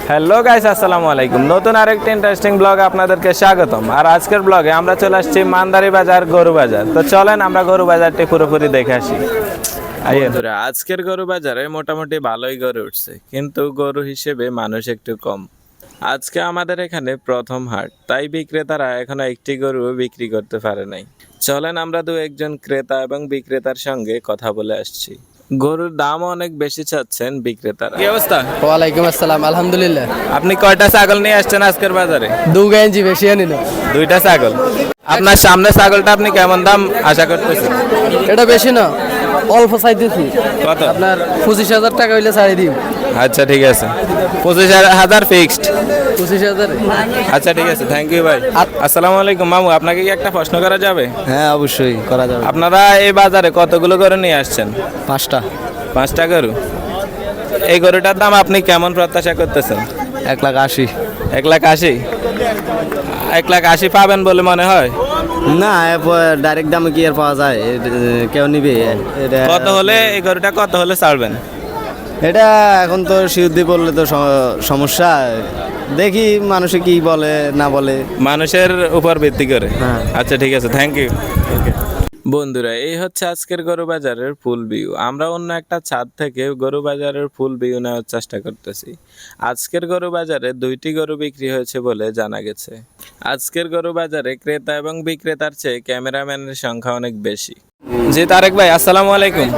Hello guys, আসসালামু আলাইকুম। নতুন আরেকটি ইন্টারেস্টিং ব্লগ আপনাদেরকে স্বাগতম। আর আজকের ব্লগে আমরা চলে আসছি মান্দারি বাজার, গরু বাজার। তো চলেন আমরা গরু বাজারটি পুরোপুরি দেখে আসি। বন্ধুরা, আজকের গরু বাজারে মোটামুটি ভালোই গরু উঠছে, কিন্তু গরু হিসেবে মানুষ একটু কম। আজকে আমাদের এখানে প্রথম হাট, তাই বিক্রেতারা এখনো একটি গরু বিক্রি করতে পারে নাই। চলেন আমরা দু একজন ক্রেতা এবং বিক্রেতার সঙ্গে কথা বলে আসছি। গরুর দাম অনেক বেশি চাচ্ছেন বিক্রেতারা। কি অবস্থা? ওয়ালাইকুম আসসালাম, আলহামদুলিল্লাহ। আপনি কয়টা ছাগল নিয়ে আসছেন আজকের বাজারে? 2 কেজি বেশি আনি না। দুইটা ছাগল। আপনার সামনে ছাগলটা আপনি কেমন দাম আশা করতেছেন? এটা বেশি না, অল্প চাইতেছি। কত? আপনার 25,000 টাকা হইলে ছাড়ি দিই। আচ্ছা ঠিক আছে, 25,000 ফিক্সড। 25,000। আচ্ছা ঠিক আছে, থ্যাংক ইউ ভাই। আসসালামু আলাইকুম মামু, আপনাকে কি একটা প্রশ্ন করা যাবে? হ্যাঁ, অবশ্যই করা যাবে। আপনারা এই বাজারে কতগুলো গরু নিয়ে আসছেন? 5টা। 5টা গরু। এই গরুটার দাম আপনি কেমন প্রত্যাশা করতেছেন? 1,80,000। 1,80,000? 1,80,000 পাবেন বলে মনে হয়? না, ডাইরেক্ট দামে কি আর পাওয়া যায়? কেউ নিবে? কত হলে এই গরুটা কত হলে ছাড়বেন? এটা এখন তো সিদ্ধি বললে তো সমস্যা। দেখি মানুষে কি বলে না বলে, মানুষের উপর ভিত্তি করে। হ্যাঁ। আচ্ছা ঠিক আছে, থ্যাংক ইউ। বন্ধুরা, এই হচ্ছে আজকের গরু বাজারের ফুল ভিউ। আমরা অন্য একটা ছাদ থেকে গরু বাজারের ফুল ভিউ নেওয়ার চেষ্টা করতেছি। আজকের গরু বাজারে 2টি গরু বিক্রি হয়েছে বলে জানা গেছে। আজকের গরু বাজারে ক্রেতা এবং বিক্রেতার চেয়ে ক্যামেরাম্যানের সংখ্যা অনেক বেশি। জি তারেক ভাই, আসসালামু আলাইকুম।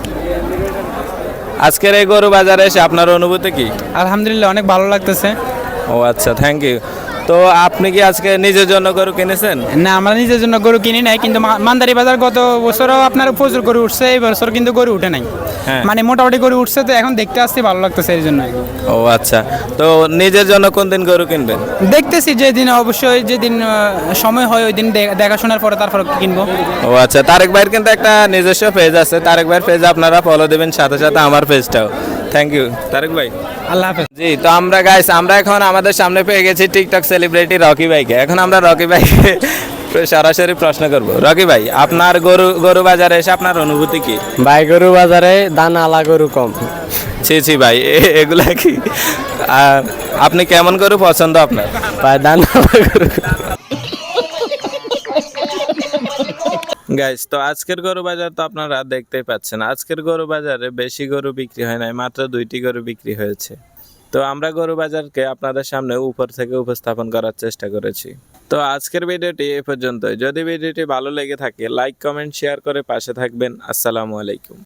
আজকের এই গরু বাজারে এসে আপনার অনুভূতি কি? আলহামদুলিল্লাহ, অনেক ভালো লাগতেছে। ও আচ্ছা, থ্যাংক ইউ। তো আপনি কি আজকে নিজের জন্য গরু কিনেছেন? না, আমরা নিজের জন্য গরু কিনি নাই, কিন্তু মান্দারি বাজার গত বছরও আপনার প্রচুর গরু উঠছে, এই বছর কিন্তু গরু উঠে নাই। হ্যাঁ। মানে মোটামুটি গরু উঠছে, তো এখন দেখতে আসতে ভালো লাগতেছে এই জন্য। ও আচ্ছা, তো নিজের জন্য কোন দিন গরু কিনবেন? দেখতেছি যেদিন অবশ্যই যেদিন সময় হয় ওই দিন দেখাশোনার পরে তারপর কিনবো। ও আচ্ছা, তারেক ভাইয়ের কিন্তু একটা নিজস্ব পেজ আছে। তারেক ভাইয়ের পেজ আপনারা ফলো দেবেন, সাথে সাথে আমার পেজটাও। থ্যাংক ইউ তারেক ভাই। আল্লাহ হাফেজ। জি, তো আমরা এখন আমাদের সামনে পেয়ে গেছি টিকটক সেলিব্রিটি রকি ভাইকে। এখন আমরা রকি ভাইকে সরাসরি প্রশ্ন করব। রকি ভাই, আপনার গরু বাজারে এসে আপনার অনুভূতি কি? ভাই, গরু বাজারে দানা আলা গরু কম। ছি ভাই, এগুলা কি? আর আপনি কেমন গরু পছন্দ আপনার? ভাই, দানা আলা গরু। গাইস, তো আজকের গরু বাজার তো আপনারা দেখতেই পাচ্ছেন। আজকের গরু বাজারে বেশি গরু বিক্রি হয় নাই, মাত্র 2টি গরু বিক্রি হয়েছে। তো আমরা গরু বাজারকে আপনাদের সামনে উপর থেকে উপস্থাপন করার চেষ্টা করেছি। তো আজকের ভিডিওটি এ পর্যন্তই। যদি ভিডিওটি ভালো লেগে থাকে, লাইক কমেন্ট শেয়ার করে পাশে থাকবেন। আসসালামু আলাইকুম।